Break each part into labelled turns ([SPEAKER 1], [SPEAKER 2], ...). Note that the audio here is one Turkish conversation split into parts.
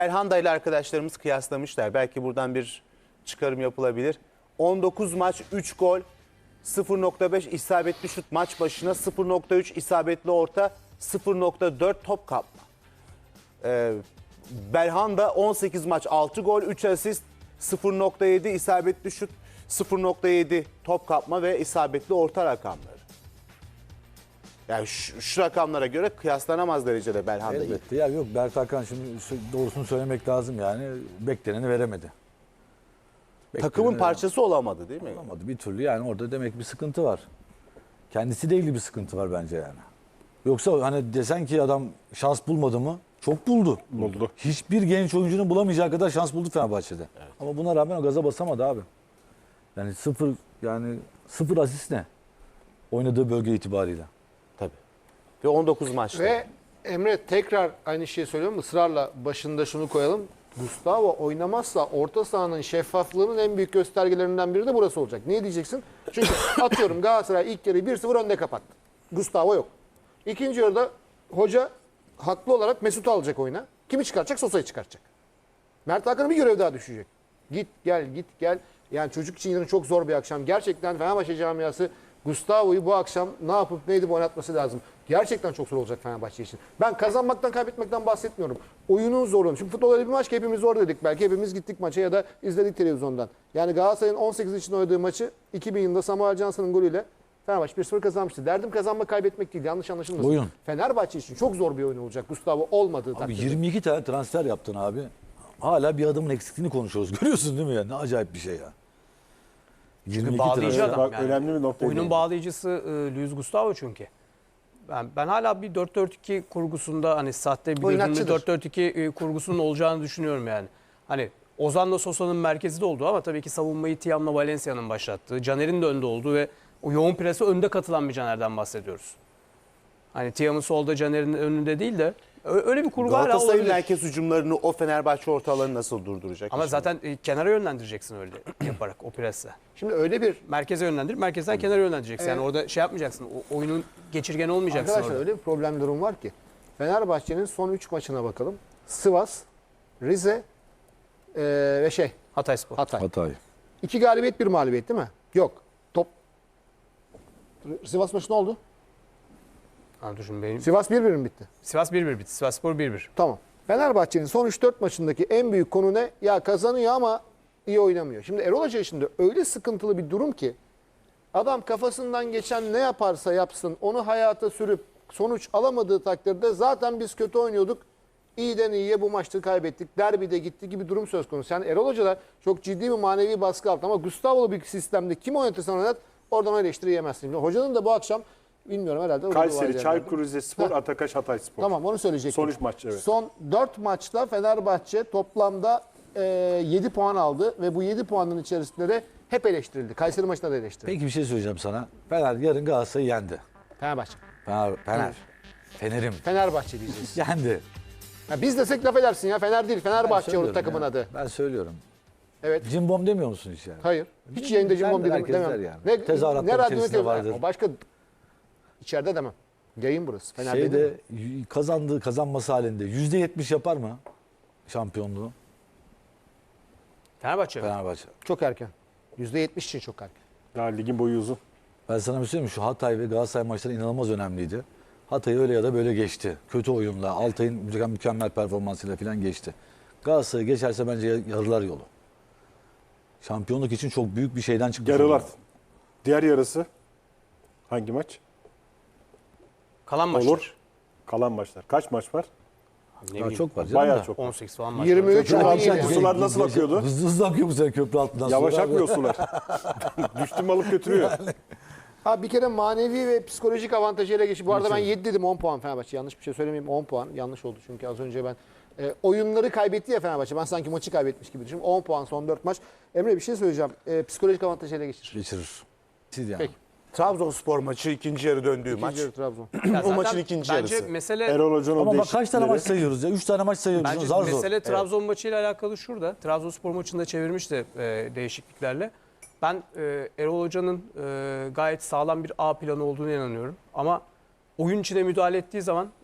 [SPEAKER 1] Belhanda ile arkadaşlarımız kıyaslamışlar. Belki buradan bir çıkarım yapılabilir. 19 maç 3 gol, 0.5 isabetli şut maç başına, 0.3 isabetli orta, 0.4 top kapma. Belhanda 18 maç 6 gol, 3 asist, 0.7 isabetli şut, 0.7 top kapma ve isabetli orta rakamları. Yani şu rakamlara göre kıyaslanamaz derecede Belhanda iyi.
[SPEAKER 2] Elbette. Ya yok, Mert Hakan şimdi doğrusunu söylemek lazım yani. Bekleneni veremedi.
[SPEAKER 1] Takımın parçası olamadı değil mi?
[SPEAKER 2] Olamadı bir türlü, yani orada demek bir sıkıntı var. Kendisiyle ilgili bir sıkıntı var bence yani. Yoksa hani desen ki adam şans bulmadı mı? Çok buldu.
[SPEAKER 3] Buldu.
[SPEAKER 2] Hiçbir genç oyuncunun bulamayacağı kadar şans buldu Fenerbahçe'de. Evet. Ama buna rağmen o gaza basamadı abi. Yani sıfır asist ne? Oynadığı bölge itibariyle.
[SPEAKER 1] Tabii. Ve 19 maçta.
[SPEAKER 4] Ve Emre tekrar aynı şeyi söylüyorum, ısrarla başında şunu koyalım. Gustavo oynamazsa orta sahanın şeffaflığının en büyük göstergelerinden biri de burası olacak. Niye diyeceksin? Çünkü atıyorum Galatasaray ilk yarıyı 1-0 önde kapattı. Gustavo yok. İkinci yarıda hoca haklı olarak Mesut'u alacak oyuna. Kimi çıkartacak? Sosa'yı çıkartacak. Mert Hakan'a bir görev daha düşecek. Git gel. Yani çocuk için yarın çok zor bir akşam. Gerçekten Fenerbahçe camiası Gustavo'yu bu akşam ne yapıp ne edip oynatması lazım. Gerçekten çok zor olacak Fenerbahçe için. Ben kazanmaktan kaybetmekten bahsetmiyorum. Oyunun zorluğunu. Şimdi futbol öyle bir maç ki hepimiz zor dedik. Belki hepimiz gittik maça ya da izledik televizyondan. Yani Galatasaray'ın 18 için oynadığı maçı 2000 yılında Samuel Johnson'ın golüyle Fenerbahçe 1-0 kazanmıştı. Derdim kazanmak kaybetmek değil. Yanlış anlaşılmasın.
[SPEAKER 2] Oyun.
[SPEAKER 4] Fenerbahçe için çok zor bir oyun olacak Gustavo olmadığı
[SPEAKER 2] Abi
[SPEAKER 4] takdirde.
[SPEAKER 2] 22 tane transfer yaptın abi. Hala bir adamın eksikliğini konuşuyoruz. Görüyorsun değil mi ya? Ne acayip bir şey ya. 22
[SPEAKER 5] bağlayıcı
[SPEAKER 2] transfer.
[SPEAKER 5] adam.
[SPEAKER 3] Bak, önemli bir nokta.
[SPEAKER 5] Oyunun bağlayıcısı Luis Gustavo çünkü. Ben hala bir 4-4-2 kurgusunda hani sahte bir
[SPEAKER 4] Oynatçıdır.
[SPEAKER 5] 4-4-2 kurgusunun olacağını düşünüyorum yani. Hani Ozan'la Sosa'nın merkezde olduğu ama tabii ki savunmayı Tiam'la Valencia'nın başlattığı, Caner'in de önde olduğu ve o yoğun prese önde katılan bir Caner'den bahsediyoruz. Hani Tiam'ın solda, Caner'in önünde değil de öyle bir kurgu hala
[SPEAKER 1] Galatasaray'ın
[SPEAKER 5] olabilir.
[SPEAKER 1] merkez hücumlarını o Fenerbahçe ortalarını nasıl durduracak?
[SPEAKER 5] Ama zaten kenara yönlendireceksin öyle yaparak o presle.
[SPEAKER 4] Şimdi öyle bir
[SPEAKER 5] Merkeze yönlendir, merkezden kenara yönlendireceksin. Yani orada şey yapmayacaksın, o oyunun geçirgen olmayacaksın
[SPEAKER 4] arkadaşlar
[SPEAKER 5] orada.
[SPEAKER 4] öyle bir problem durum var ki. Fenerbahçe'nin son 3 maçına bakalım. Sivas, Rize ve
[SPEAKER 5] Hatayspor.
[SPEAKER 4] Hatay.
[SPEAKER 2] Hatay.
[SPEAKER 4] 2 galibiyet 1 mağlubiyet değil mi? Yok. Sivas maçı ne oldu?
[SPEAKER 5] Ha, düşün benim.
[SPEAKER 4] Sivas 1-1 mi bitti?
[SPEAKER 5] Sivas 1-1 bitti. Sivasspor 1-1.
[SPEAKER 4] Tamam. Fenerbahçe'nin son 3-4 maçındaki en büyük konu ne? Ya kazanıyor ama iyi oynamıyor. Şimdi Erol Hoca şimdi öyle sıkıntılı bir durum ki adam kafasından geçen ne yaparsa yapsın onu hayata sürüp sonuç alamadığı takdirde zaten biz kötü oynuyorduk. İyiden iyiye bu maçta kaybettik. Derbide gitti gibi durum söz konusu. Yani Erol Hoca da çok ciddi bir manevi baskı altında ama Gustavo'lu bir sistemde kim oynatırsan oynat oradan o eleştiri yemezsin. Şimdi hocanın da bu akşam bilmiyorum herhalde.
[SPEAKER 3] Kayseri, Çaykur Rizespor, Atakaş, Hatayspor.
[SPEAKER 4] Tamam onu söyleyecektim.
[SPEAKER 3] Son 3 maç evet.
[SPEAKER 4] Son 4 maçta Fenerbahçe toplamda 7 puan aldı ve bu 7 puanın içerisinde de hep eleştirildi. Kayseri maçında da eleştirildi.
[SPEAKER 2] Peki bir şey söyleyeceğim sana. Fener yarın Galatasaray'ı yendi.
[SPEAKER 4] Fenerbahçe.
[SPEAKER 2] Fener'im.
[SPEAKER 4] Fenerbahçe diyeceğiz.
[SPEAKER 2] Yendi.
[SPEAKER 4] Ya biz desek laf edersin ya. Fener değil. Fenerbahçe
[SPEAKER 2] söylüyorum
[SPEAKER 4] o takımın
[SPEAKER 2] ya.
[SPEAKER 4] adı.
[SPEAKER 2] Ben söylüyorum.
[SPEAKER 4] Evet.
[SPEAKER 2] Cimbom demiyor musun hiç yani?
[SPEAKER 4] Hayır. Hiç yayında cimbom dedim.
[SPEAKER 2] Herkes der
[SPEAKER 4] Demem.
[SPEAKER 2] yani.
[SPEAKER 4] Ne,
[SPEAKER 2] Tezahüratlar
[SPEAKER 4] ne radyo ne
[SPEAKER 2] içerisinde
[SPEAKER 4] televizyon.
[SPEAKER 2] vardır.
[SPEAKER 4] O başka içeride demem. Yayın burası. Fener değil mi?
[SPEAKER 2] Şeyde kazanması halinde %70 yapar mı şampiyonluğu
[SPEAKER 5] Fenerbahçe.
[SPEAKER 2] Fenerbahçe?
[SPEAKER 4] Çok erken. %70 için çok erken.
[SPEAKER 3] Daha ligin boyu uzun.
[SPEAKER 2] Ben sana bir şey söyleyeyim mi? Şu Hatay ve Galatasaray maçları inanılmaz önemliydi. Hatay öyle ya da böyle geçti. Kötü oyunla, Altay'ın mükemmel performansıyla falan geçti. Galatasaray geçerse bence yarılar yolu. Şampiyonluk için çok büyük bir şeyden çıkmış.
[SPEAKER 3] Yarılar.
[SPEAKER 2] oldu.
[SPEAKER 3] Diğer yarısı hangi maç?
[SPEAKER 5] Kalan maçlar.
[SPEAKER 3] Olur. Kalan maçlar. Kaç maç var?
[SPEAKER 5] Ne
[SPEAKER 2] Daha
[SPEAKER 5] bileyim,
[SPEAKER 2] çok var canım
[SPEAKER 3] Bayağı
[SPEAKER 2] da.
[SPEAKER 3] çok.
[SPEAKER 5] 18 falan maç.
[SPEAKER 4] 23
[SPEAKER 3] Köprü altı
[SPEAKER 4] 17.
[SPEAKER 3] sular nasıl akıyordu?
[SPEAKER 2] Hızlı hızlı akıyor bu sene köprü altından.
[SPEAKER 3] Yavaş
[SPEAKER 2] sular.
[SPEAKER 3] akmıyor sular. Düştüm alıp götürüyor.
[SPEAKER 4] Ha bir kere manevi ve psikolojik avantajıyla geçti. Bu arada ben 7 dedim 10 puan Fenerbahçe. Yanlış bir şey söylemeyeyim 10 puan. Yanlış oldu çünkü az önce ben oyunları kaybetti ya Fenerbahçe. Ben sanki maçı kaybetmiş gibi düşünüyorum. 10 puan son 4 maç. Emre bir şey söyleyeceğim. Psikolojik avantajıyla geçir.
[SPEAKER 2] Geçirir. Siz yani.
[SPEAKER 4] Peki.
[SPEAKER 1] Trabzonspor maçı ikinci yarı döndüğü maç.
[SPEAKER 4] İkinci yarı Trabzon.
[SPEAKER 5] Ya
[SPEAKER 1] O
[SPEAKER 5] zaten
[SPEAKER 1] maçın ikinci
[SPEAKER 5] bence
[SPEAKER 1] yarısı.
[SPEAKER 5] mesele
[SPEAKER 3] Erol Hoca'nın
[SPEAKER 2] Ama bak kaç tane
[SPEAKER 3] değişiklikleri.
[SPEAKER 2] maç sayıyoruz ya? 3 tane maç sayıyoruz.
[SPEAKER 5] bence
[SPEAKER 2] Zar zor.
[SPEAKER 5] mesele Trabzon maçıyla alakalı şurada. Trabzonspor maçında çevirmişti değişikliklerle. Ben Erol Hoca'nın gayet sağlam bir A planı olduğunu inanıyorum. Ama oyun içine müdahale ettiği zaman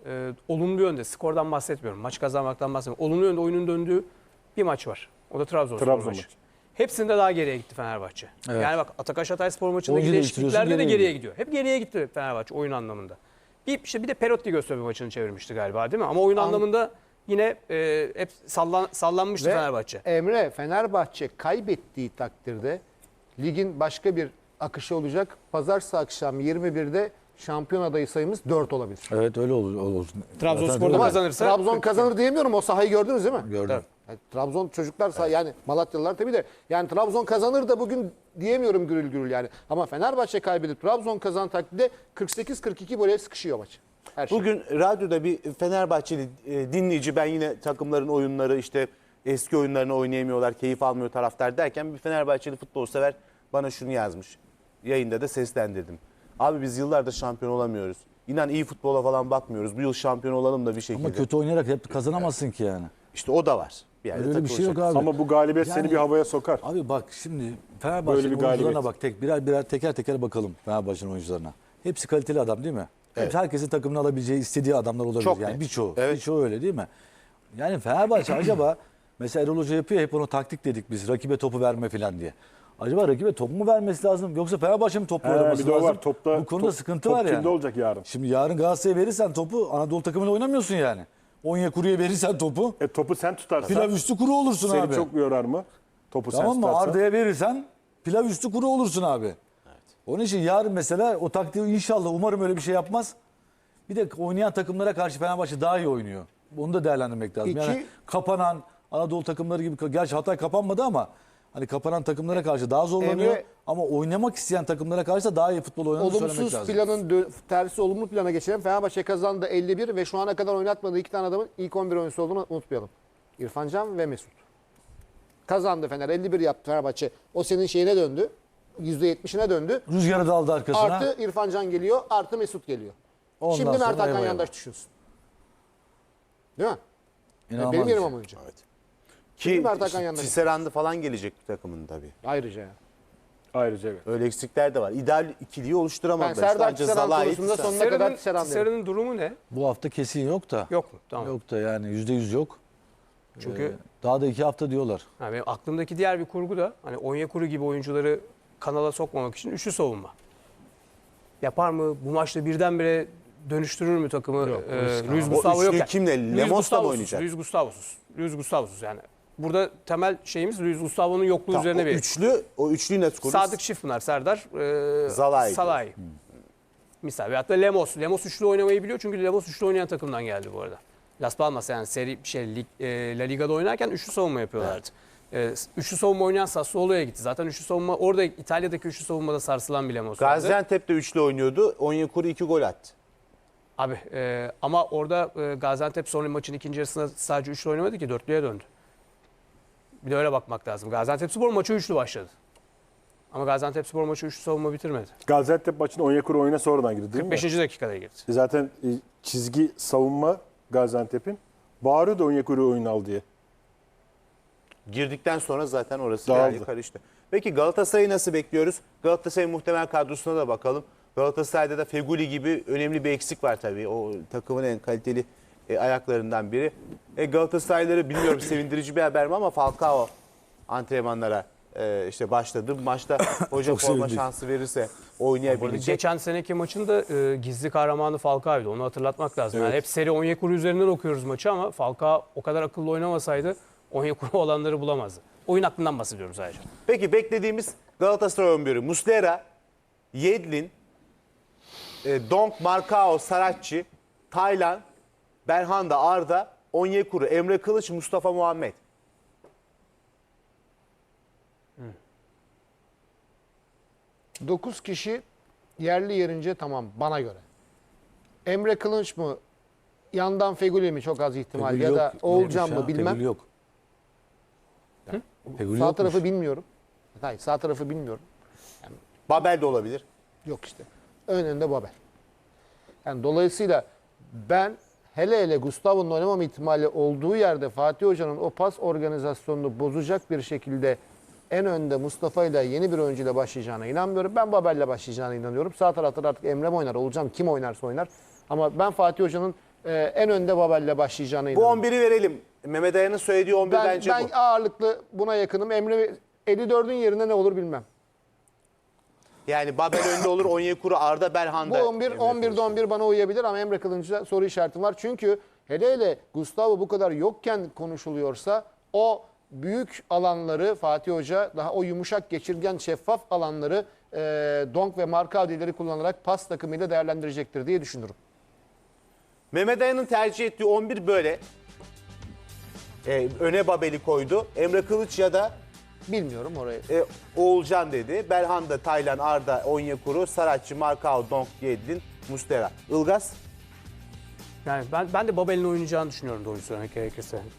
[SPEAKER 5] olumlu yönde, skordan bahsetmiyorum, maç kazanmaktan bahsetmiyorum. Olumlu yönde oyunun döndüğü bir maç var. O da Trabzonspor
[SPEAKER 3] Trabzon
[SPEAKER 5] maçı.
[SPEAKER 3] maçı.
[SPEAKER 5] Hepsinde daha geriye gitti Fenerbahçe.
[SPEAKER 2] Evet.
[SPEAKER 5] Yani bak Atakaş Hatayspor maçındaki
[SPEAKER 2] Oyuncu
[SPEAKER 5] değişikliklerde de
[SPEAKER 2] değiştiriyorsun,
[SPEAKER 5] geriye gidiyor. Hep geriye gitti Fenerbahçe oyun anlamında. Bir de Perotti Göztepe maçını çevirmişti galiba değil mi? Ama oyun anlamında yine hep sallanmıştı
[SPEAKER 4] Ve
[SPEAKER 5] Fenerbahçe.
[SPEAKER 4] Emre, Fenerbahçe kaybettiği takdirde ligin başka bir akışı olacak. Pazartesi akşam 21'de şampiyon adayı sayımız 4 olabilir.
[SPEAKER 2] Evet öyle olur.
[SPEAKER 5] Trabzonspor'da
[SPEAKER 2] Zaten-
[SPEAKER 5] kazanırsa
[SPEAKER 4] Trabzon kazanır diyemiyorum. O sahayı gördünüz değil mi?
[SPEAKER 2] Gördüm.
[SPEAKER 4] Yani Trabzon çocuklar yani Malatyalılar tabii de yani Trabzon kazanır da bugün diyemiyorum gürül gürül yani. Ama Fenerbahçe kaybedip Trabzon kazan takdirde 48-42 böyle sıkışıyor maç. Her şey.
[SPEAKER 1] Bugün radyoda bir Fenerbahçeli dinleyici, ben yine takımların oyunları işte eski oyunlarını oynayamıyorlar, keyif almıyor taraftar derken bir Fenerbahçeli futbol sever bana şunu yazmış. Yayında da seslendirdim. Abi biz yıllardır şampiyon olamıyoruz. İnan iyi futbola falan bakmıyoruz. Bu yıl şampiyon olalım da bir şekilde.
[SPEAKER 2] Ama kötü oynayarak hep kazanamazsın ki yani.
[SPEAKER 1] İşte o da var. Bir yerde
[SPEAKER 2] Öyle bir şey yok
[SPEAKER 1] takılacak.
[SPEAKER 2] abi.
[SPEAKER 3] Ama bu galibiyet
[SPEAKER 2] Yani-
[SPEAKER 3] seni bir havaya sokar.
[SPEAKER 2] Abi bak şimdi
[SPEAKER 3] Böyle
[SPEAKER 2] Fenerbahçe'nin
[SPEAKER 3] bir galibiyet.
[SPEAKER 2] oyuncularına bak birer teker teker bakalım Fenerbahçe'nin oyuncularına. Hepsi kaliteli adam değil mi? Hepsi herkesin takımını alabileceği, istediği adamlar olabilir.
[SPEAKER 1] Çok
[SPEAKER 2] yani
[SPEAKER 1] net.
[SPEAKER 2] birçoğu.
[SPEAKER 1] Evet.
[SPEAKER 2] Birçoğu öyle değil mi? Yani Fenerbahçe acaba mesela Erol Hoca yapıyor hep onu taktik dedik biz rakibe topu verme falan diye. Acaba rakibe top mu vermesi lazım yoksa Fenerbahçe mi topla oynaması
[SPEAKER 3] Bir de o
[SPEAKER 2] lazım?
[SPEAKER 3] var. Topta,
[SPEAKER 2] Bu konuda sıkıntı
[SPEAKER 3] top
[SPEAKER 2] var yani.
[SPEAKER 3] kimde olacak yarın?
[SPEAKER 2] Şimdi yarın Galatasaray'a verirsen topu Anadolu takımıyla oynamıyorsun yani. Onyekuru'ya verirsen topu
[SPEAKER 3] Topu sen tutarsan
[SPEAKER 2] pilav üstü kuru olursun
[SPEAKER 3] seni
[SPEAKER 2] abi.
[SPEAKER 3] çok yorar mı? Topu
[SPEAKER 2] Tamam
[SPEAKER 3] sen
[SPEAKER 2] mı?
[SPEAKER 3] tutarsan.
[SPEAKER 2] Arda'ya verirsen pilav üstü kuru olursun abi. Onun için yarın mesela o taktiği inşallah umarım öyle bir şey yapmaz. Bir de oynayan takımlara karşı Fenerbahçe daha iyi oynuyor. Onu da değerlendirmek lazım. Yani
[SPEAKER 4] İki-
[SPEAKER 2] kapanan Anadolu takımları gibi, gerçi Hatay kapanmadı ama hani kapanan takımlara karşı daha zorlanıyor.
[SPEAKER 4] Emre-
[SPEAKER 2] Ama oynamak isteyen takımlara karşı da daha iyi futbol oynadığını söylemek
[SPEAKER 4] Olumsuz
[SPEAKER 2] lazım.
[SPEAKER 4] planın tersi olumlu plana geçelim. Fenerbahçe kazandı 51 ve şu ana kadar oynatmadığı 2 tane adamın ilk 11 oyuncusu olduğunu unutmayalım. İrfan Can ve Mesut. Kazandı Fener 51 yaptı Fenerbahçe. O senin şeyine döndü. %70'ine döndü.
[SPEAKER 2] Rüzgarı da aldı arkasına.
[SPEAKER 4] Artı İrfan Can geliyor, artı Mesut geliyor.
[SPEAKER 2] Ondan
[SPEAKER 4] Şimdi Mert
[SPEAKER 2] sonra
[SPEAKER 4] Hakan
[SPEAKER 2] eyvah
[SPEAKER 4] Yandaş düşünsün. Değil mi?
[SPEAKER 2] İnanılmaz
[SPEAKER 4] Benim
[SPEAKER 2] bir
[SPEAKER 4] yerim
[SPEAKER 2] şey.
[SPEAKER 4] ama oyuncu.
[SPEAKER 1] Ki
[SPEAKER 4] Mert Hakan yanında.
[SPEAKER 1] Tisserand'ı falan gelecek takımın tabii.
[SPEAKER 4] Ayrıca yani.
[SPEAKER 3] Ayrıca evet.
[SPEAKER 1] Öyle eksikler de var. İdeal ikiliyi
[SPEAKER 4] Ben
[SPEAKER 1] oluşturamadılar.
[SPEAKER 4] Serdar
[SPEAKER 1] Sadece
[SPEAKER 4] Tisserand
[SPEAKER 1] Zalai,
[SPEAKER 4] konusunda
[SPEAKER 1] Tisserand.
[SPEAKER 4] sonuna kadar Tisserand derim.
[SPEAKER 5] Tisserand'ın durumu ne?
[SPEAKER 2] Bu hafta kesin yok da.
[SPEAKER 5] Yok mu? Tamam.
[SPEAKER 2] Yok da yani %100 yok.
[SPEAKER 5] Çünkü
[SPEAKER 2] Daha da 2 hafta diyorlar.
[SPEAKER 5] yani benim aklımdaki diğer bir kurgu da hani Onyekuru gibi oyuncuları kanala sokmamak için üçlü savunma. Yapar mı? Bu maçta birdenbire dönüştürür mü takımı? Luis
[SPEAKER 1] O
[SPEAKER 5] Gustavo yok.
[SPEAKER 1] üçlüyü
[SPEAKER 5] yani.
[SPEAKER 1] kimle?
[SPEAKER 5] Luis
[SPEAKER 1] Lemos'la mı
[SPEAKER 5] Gustavo'suz,
[SPEAKER 1] oynayacak?
[SPEAKER 5] Luis Gustavo'suz yani. Burada temel şeyimiz Luis Gustavo'nun yokluğu
[SPEAKER 1] Tamam,
[SPEAKER 5] üzerine bir.
[SPEAKER 1] o üçlüyü net kurur.
[SPEAKER 5] Sadık Şifpınar, Serdar,
[SPEAKER 1] Zalai.
[SPEAKER 5] Salai. Misal. Veyahut da Lemos. Lemos üçlü oynamayı biliyor çünkü Lemos üçlü oynayan takımdan geldi bu arada. Las Palmas yani La Liga'da oynarken üçlü savunma yapıyorlardı. Üçlü savunma oynayan Sassuolo'ya gitti. Zaten üçlü savunma orada İtalya'daki üçlü savunmada sarsılan bir Lemos vardı.
[SPEAKER 1] Gaziantep'te üçlü oynuyordu. Onyekuru 2 gol attı.
[SPEAKER 5] Abi ama orada Gaziantep sonra maçın ikinci yarısında sadece üçlü oynamadı ki dörtlüye döndü. Bir de öyle bakmak lazım. Gaziantepspor maçı üçlü başladı. Ama Gaziantepspor maçı üçlü savunma bitirmedi.
[SPEAKER 3] Gaziantep maçına Onyekuru oyuna sonradan girdi değil mi?
[SPEAKER 5] 5. dakikada girdi.
[SPEAKER 3] Zaten çizgi savunma Gaziantep'in bağırıyordu Onyekuru oyun al diye.
[SPEAKER 1] Girdikten sonra zaten orası
[SPEAKER 3] Dağıldı.
[SPEAKER 1] yani karıştı. Peki Galatasaray'ı nasıl bekliyoruz? Galatasaray'ın muhtemel kadrosuna da bakalım. Galatasaray'da da Feguli gibi önemli bir eksik var tabii. O takımın en kaliteli ayaklarından biri. Galatasaraylıları bilmiyorum sevindirici bir haber mi ama Falcao antrenmanlara işte başladı. Bu maçta hoca
[SPEAKER 2] Çok
[SPEAKER 1] forma
[SPEAKER 2] sevindik.
[SPEAKER 1] şansı verirse
[SPEAKER 5] Bu arada
[SPEAKER 1] oynayabilecek.
[SPEAKER 5] geçen seneki maçın da gizli kahramanı Falcao'ydu. Onu hatırlatmak lazım. Yani
[SPEAKER 3] Evet.
[SPEAKER 5] hep seri Onyekuru üzerinden okuyoruz maçı ama Falcao o kadar akıllı oynamasaydı Onyekuru olanları bulamazdı. Oyun aklından bahsediyoruz ayrıca.
[SPEAKER 1] Peki beklediğimiz Galatasaray 11'i Muslera, Yedlin, Donk, Marcao, Saratçı, Taylan, Berhanda, Arda, Onyekuru, Emre Kılıç, Mustafa Muhammed.
[SPEAKER 4] Hmm. 9 kişi yerli yerince tamam bana göre. Emre Kılınç mı? Yandan Feguli mi? Çok az ihtimal.
[SPEAKER 2] Feguli
[SPEAKER 4] ya
[SPEAKER 2] yok.
[SPEAKER 4] da Oğulcan
[SPEAKER 2] Neymiş
[SPEAKER 4] mı?
[SPEAKER 2] ya?
[SPEAKER 4] Bilmem.
[SPEAKER 2] Feguli yok. Feguli
[SPEAKER 4] Sağ
[SPEAKER 2] yokmuş.
[SPEAKER 4] tarafı bilmiyorum. Hayır, sağ tarafı bilmiyorum.
[SPEAKER 1] Babel de olabilir.
[SPEAKER 4] Yok işte. Önünde Babel. Yani dolayısıyla ben hele Gustavo'nun oynamama ihtimali olduğu yerde Fatih Hoca'nın o pas organizasyonunu bozacak bir şekilde en önde Mustafa ile yeni bir oyuncuyla başlayacağına inanmıyorum. Ben Babel'le başlayacağına inanıyorum. Sağ tarafta da artık Emre mi oynar, Olacağım kim oynarsa oynar. Ama ben Fatih Hoca'nın en önde Babel'le başlayacağına
[SPEAKER 1] Bu
[SPEAKER 4] inanıyorum.
[SPEAKER 1] 11'i verelim. Mehmet Ayan'ın söylediği 11
[SPEAKER 4] Ben
[SPEAKER 1] bence bu.
[SPEAKER 4] ağırlıklı buna yakınım. Emre 54'ün yerine ne olur bilmem.
[SPEAKER 1] Yani Babel önde olur, Onyekuru, Arda, Belhanda.
[SPEAKER 4] Bu 11'de 11 bana uyabilir ama Emre Kılınç'a soru işaretim var. Çünkü hele Gustavo bu kadar yokken konuşuluyorsa o büyük alanları Fatih Hoca daha o yumuşak, geçirgen, şeffaf alanları Donk ve Markao'ları kullanarak pas takımıyla değerlendirecektir diye düşünürüm.
[SPEAKER 1] Mehmet Ayan'ın tercih ettiği 11 böyle. Öne Babel'i koydu. Emre Kılıç ya da
[SPEAKER 4] Bilmiyorum orayı.
[SPEAKER 1] Oğulcan dedi. Belhanda, Taylan, Arda, Onyekuru, Saratçı, Markao, Donk, Yedlin, Muslera. Ilgaz?
[SPEAKER 5] Yani ben de Babel'in oynayacağını düşünüyorum doğruyu söylemek gerekirse.